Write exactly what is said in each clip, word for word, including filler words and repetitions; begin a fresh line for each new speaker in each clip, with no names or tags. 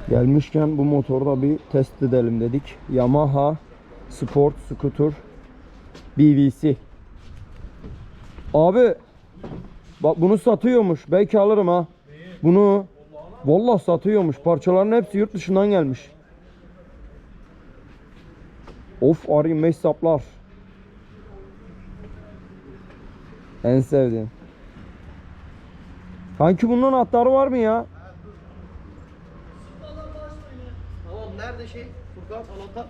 Gelmişken bu motoru da bir test edelim dedik. Yamaha Sport Scooter B V C. Abi bak bunu satıyormuş. Belki alırım ha. Bunu vallahi satıyormuş. Parçaların hepsi yurt dışından gelmiş. Of, arayayım beş saplar. En sevdiğim. Kanki bunun anahtarı var mı ya?
Tamam, nerede şey? Furkan anahtar.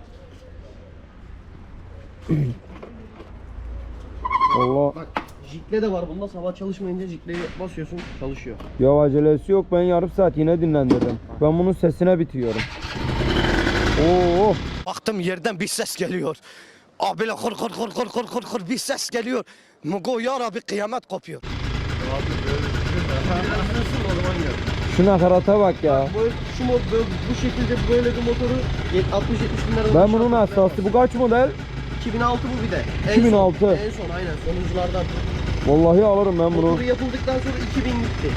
Allah.
Bak, jikle de var bunda. Sabah çalışmayınca jikleyi basıyorsun, çalışıyor.
Ya acelesi yok, ben yarım saat yine dinlendirdim. Ben bunun sesine bitiyorum. Oo.
Baktım yerden bir ses geliyor. Abiyle kır kır kır kır kır kır kır bir ses geliyor. Mugo ya Rabbi kıyamet kopuyor.
Şu nakarata bak ya.
Bu, şu mod, böyle, bu şekilde böyle bir motoru altmış yetmiş bin liradan
Ben bunun hassası. Bu kaç model?
iki bin altı bu bir de. En
iki bin altı.
Son, en son aynen son hızlardan.
Vallahi alırım ben bunu.
Motoru yapıldıktan sonra iki bin gitti.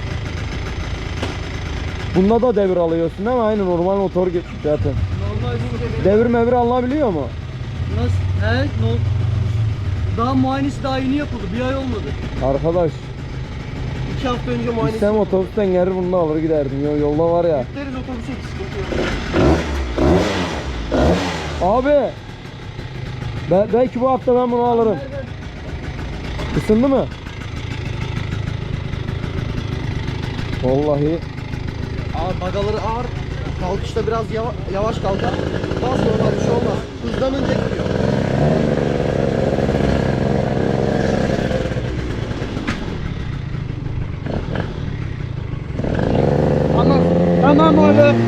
Bunda da devir alıyorsun değil mi? Aynı normal motor gibi zaten.
Normal bu.
Devir mevir alınabiliyor mu?
Nasıl? He? No. Daha muayenesi daha yeni yapıldı. Bir ay olmadı.
Arkadaş,
iki hafta önce muayenesi.
İstem otobüsten gelir bunu da alır giderdim. Yo, yolda var ya.
Yükleriz otobüse, hiç sıkıntı yok.
Abi. Be belki bu hafta ben bunu alırım. Isındı mı? Vallahi.
Ağır, bagaları ağır. Kalkışta biraz yava, yavaş kalkar. Daha sonra bir şey olmaz. Hızlanınca gidiyor.
Tamam. Tamam oğlum. Tamam.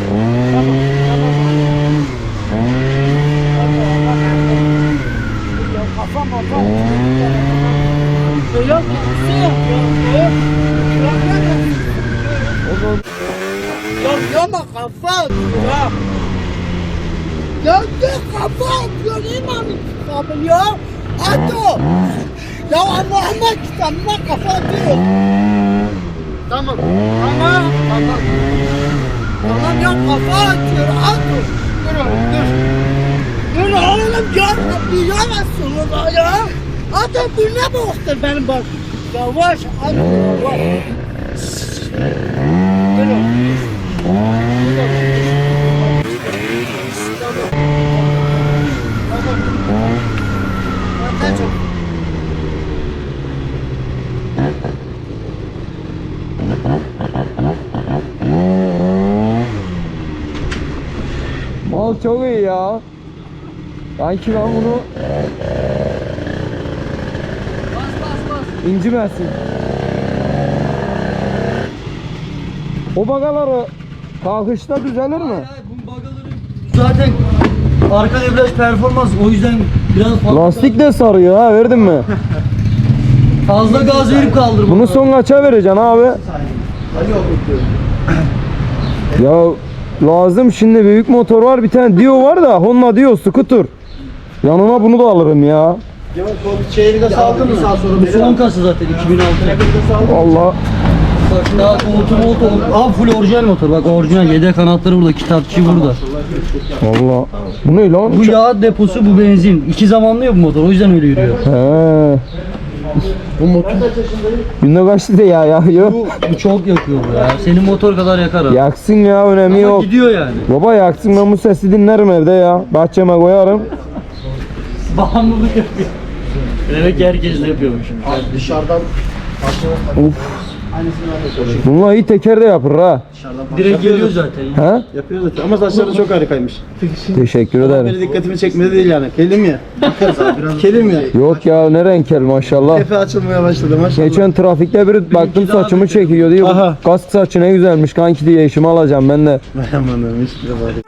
Ya kafam kafam. Yok. Yok. Ya yama kafa ya. Ya ne kafa ya imam kitabı ya. Ato. Ya Muhammed kitabına kafa diyor. Tamam. Tamam. Tamam. Tamam ya kafa atıyor. Ato. Dur dur. Dur oğlum ya Rabbi ya Resulullah ya. Ato bu ne boktur benim bak. Yavaş Ato yavaş. Dur oğlum.
Mal çok iyi ya. Sanki ben bunu
Bas bas bas.
incimesin. O bagaları kalkışta düzelir mi?
Hayır, bu bagaları zaten arka debriyaj performans, o yüzden biraz fazla,
Lastik de sarıyor ha, verdin mi?
fazla gaz verip kaldırma.
Bunu son kaça vereceksin abi? Ya lazım, şimdi büyük motor var, bir tane Dio var da Honda Dio Scooter. Yanına bunu da alırım ya.
Şeyini de saldın mı? Sağ sonra
Bu son kası zaten iki bin altı.
Allah.
Bak daha koltuğu moltu. Abi full orijinal motor. Bak orijinal, yedek kanatları burada, kitapçı burada.
Allah. Bu ne lan?
Bu yağ deposu, bu benzin. İki zamanlı ya bu motor, o yüzden öyle yürüyor.
He.
bu motor.
Günde kaç litre ya yakıyor?
Bu, bu çok yakıyor bu ya. Senin motor kadar yakar abi.
Yaksın ya, önemi
Ama
yok.
gidiyor yani.
Baba yaksın, ben bu sesi dinlerim evde ya. Bahçeme koyarım.
Bağımlılık yapıyor. Demek ki herkes de yapıyormuş.
Dışarıdan
Uf. Bununla iyi teker de yapır ha.
Direkt geliyor zaten.
He?
Yapıyor zaten ama saçları çok harikaymış.
Teşekkür
Benim
ederim.
dikkatimi çekmedi değil yani. Kelim ya. Bakarız abi biraz. Kelim ya.
Yok ya, ne renkel maşallah.
Tepe açılmaya başladı maşallah.
Geçen trafikte biri baktım saçımı çekiyor diyor.
Aha.
Kask saçı ne güzelmiş kanki diye eşimi alacağım ben de.
Vay amanım hiç bile var.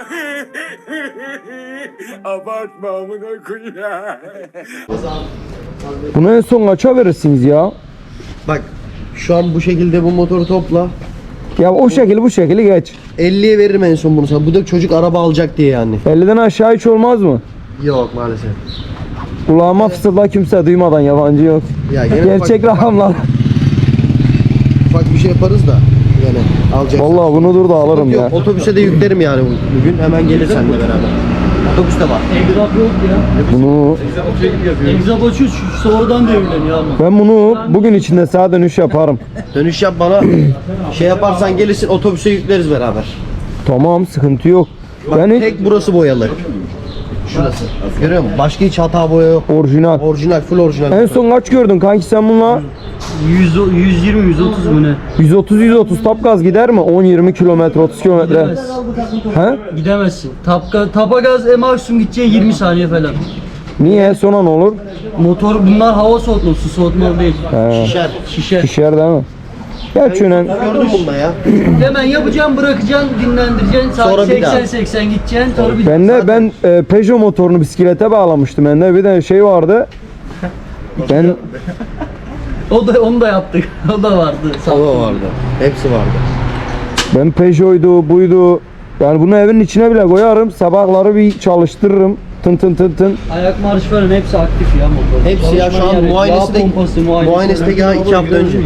Bunu en son kaça verirsiniz ya?
bak şu an bu şekilde bu motoru topla.
Ya o şekil bu şekili geç.
elliye veririm en son bunu sana. Bu da çocuk araba alacak diye yani.
elliden aşağı hiç olmaz mı?
Yok maalesef.
Kulağıma fısılda, kimse duymadan, yabancı yok.
Ya gene
Gerçek
ufak,
rakamlar.
ufak bir şey yaparız da. gene. Alacaksın.
Vallahi bunu dur da alırım ya.
Yok, otobüse de yüklerim yani bu- bugün. Hemen gelir seninle beraber. Otobüs de var.
Egzap yok ya.
Bunu
Egzap açıyor şu sonradan devriliyor ama.
ben bunu bugün içinde sağa dönüş yaparım.
Dönüş yap bana. Şey yaparsan gelirsin, otobüse yükleriz beraber.
Tamam, sıkıntı yok.
Bak
Ben hiç
tek burası boyalı. Şurası. Görüyor musun? Başka hiç hata boya yok.
orijinal.
Orijinal, full orijinal.
En son kaç gördün kanki sen bununla?
yüz, yüz yirmi yüz otuz mu ne?
yüz otuz yüz otuz tap gaz gider mi? on yirmi kilometre, otuz kilometre.
Gidemez.
He?
Gidemezsin. Tapka, tapa gaz e maksimum gideceğin yirmi saniye falan.
Niye? Sonra ne olur?
Motor bunlar hava soğutmalı, su soğutmalı değil.
He.
Şişer.
Şişer.
Şişer değil mi? Gerçi önemli.
Gördün bunda ya.
Hemen yapacaksın, bırakacaksın, dinlendireceksin.
Sonra
Saat
bir daha.
seksen seksen gideceksin. Sonra bir
Ben de ben e, Peugeot motorunu bisiklete bağlamıştım. Bende bir de şey vardı. Ben
O da onu da yaptık. O da vardı.
Hava vardı. Hepsi vardı.
ben Peugeot'uydu, buydu. Yani bunu evin içine bile koyarım. Sabahları bir çalıştırırım. Tın tın tın tın.
Ayak marş falan hepsi aktif ya motor.
Hepsi ya şu an muayenesi de
pompası, muayenesi.
muayenesi de ya iki hafta önce.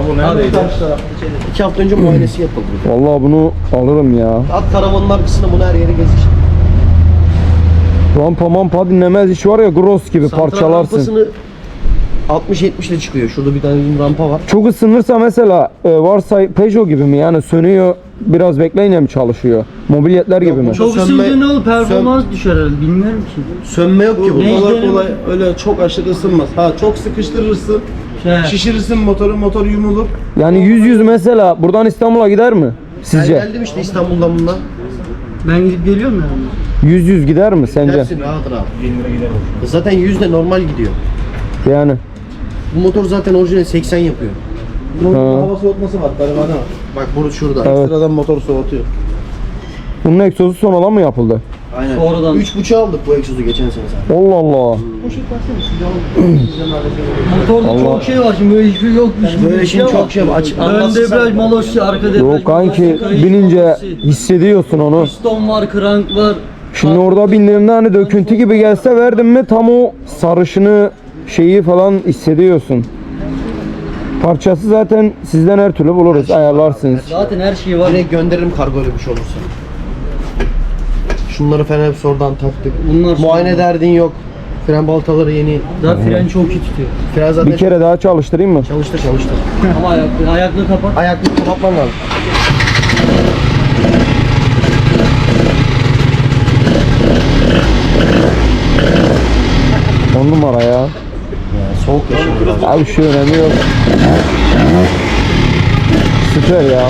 İki hafta önce muayenesi yapıldı.
Vallahi bunu alırım ya.
At karavanın arkasında bunu her yere gezir.
Rampa mampa dinlemez iş var ya, gross gibi
Santral
parçalarsın.
rampasını altmış yetmiş ile çıkıyor. Şurada bir tane rampa var.
Çok ısınırsa mesela e, varsa Peugeot gibi mi yani, sönüyor biraz bekleyince mi çalışıyor? Mobilyetler gibi mi?
Çok
Sönme-
ısınca ne olur? Performans düşer herhalde. Bilmiyorum ki.
Sönme yok ki
Bu
bunda.
kolay kolay öyle çok aşırı ısınmaz. Ha çok sıkıştırırsın.
Şey,
Şişirirsin motoru, motor yumulur.
Yani yüz yüz mesela buradan İstanbul'a gider mi
Ben
sizce?
geldim işte İstanbul'dan bundan.
ben gidip geliyorum yani.
yüz yüz gider mi sence?
Dersin rahat rahat. Zaten yüz de normal gidiyor.
Yani
Bu motor zaten orijinal seksen yapıyor.
Bunun
Ha.
hava soğutması var, karavana var.
Bak burada şurada.
Evet.
Sıradan motor soğutuyor.
bunun egzozu sonradan mı yapıldı?
Aynen.
Sonradan.
Üç buçuğa aldık bu egzozu geçen sene zaten.
Allah Allah.
Motorda
Allah.
çok şey var şimdi böyle hiçbir yokmuş gibi.
Böyle
bir
şimdi
ama.
çok şey var. Aç,
Ön
anlatsın
debriyaj,
sen.
malosi, arka debriyaj.
Yok kanki,
malosi, kayış
binince
malosi,
hissediyorsun onu.
piston var, krank var.
Şimdi orada bindiğimde hani döküntü gibi gelse verdim mi tam o sarışını şeyi falan hissediyorsun. Parçası zaten sizden her türlü buluruz, ayarlarsınız.
Zaten her şey var.
Direkt gönderirim kargo öyle bir şey olursa. Şunları falan hepsi oradan taktık.
Bunlar
Muayene derdin yok. Fren baltaları yeni.
Zaten fren çok iyi tutuyor.
Fren zaten
Bir kere daha çalıştırayım mı?
çalıştır çalıştır.
Ama ayaklı, ayaklı kapat.
Ayaklık kapatman lazım.
On numara ya.
Soğuk yaşıyor biraz.
Abi şu önemi yok. Süper ya.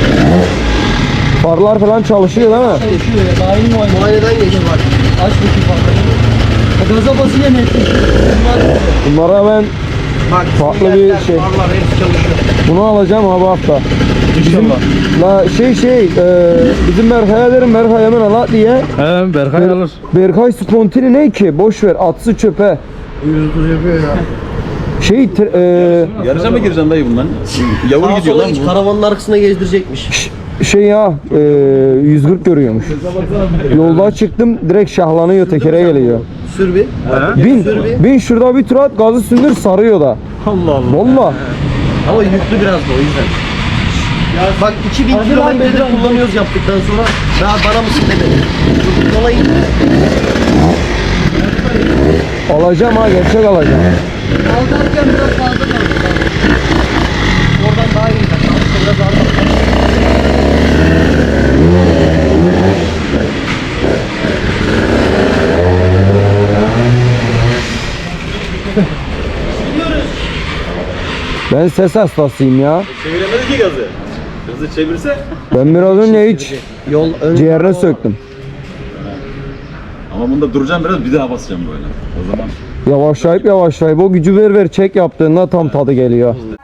Farlar falan çalışıyor değil mi?
Çalışıyor ya. Daha yeni muayene.
Muayeneden geçti bak.
Aç bakayım farkını. Gaza basınca netleşiyor. Bunlar
Bunlara ben
Bak
Farklı bir
sinyaller,
şey.
farlar hepsi çalışıyor.
bunu alacağım abi hafta.
İnşallah.
La şey şey e, bizim Berkay'a derim, Berkay hemen ala diye.
He Berkay alır.
Berkay spontini ne ki? Boş ver, atsı çöpe.
yüz otuz yapıyor ya.
Şey tr- e,
Yarışa mı gireceksin dayı bundan? Yavur
Sağa
gidiyor
sola
lan
hiç
bu.
karavanın arkasına gezdirecekmiş.
şey ya e, yüz kırk görüyormuş. Yolda çıktım direkt şahlanıyor, tekere geliyor.
Sür bir.
Bin,
Sür bir.
bin şurada bir tur at, gazı sündür, sarıyor da.
Allah Allah.
Valla.
Ama yüklü biraz da o yüzden. Bak iki bin kilometredir kullanıyoruz yaptıktan sonra daha bana mısın demedi. Dur, Yola in.
Alacağım ha, gerçek alacağım.
Kalkarken biraz fazla kaldı.
Oradan daha iyi. Biraz daha
Ben ses hastasıyım ya.
Çeviremedi ki gazı. Gazı çevirse.
Ben biraz önce hiç
yol ön.
ciğerine söktüm.
Ama bunda duracağım biraz, bir daha basacağım böyle. O zaman
Yavaşlayıp yavaşlayıp o gücü ver ver çek yaptığında tam tadı geliyor.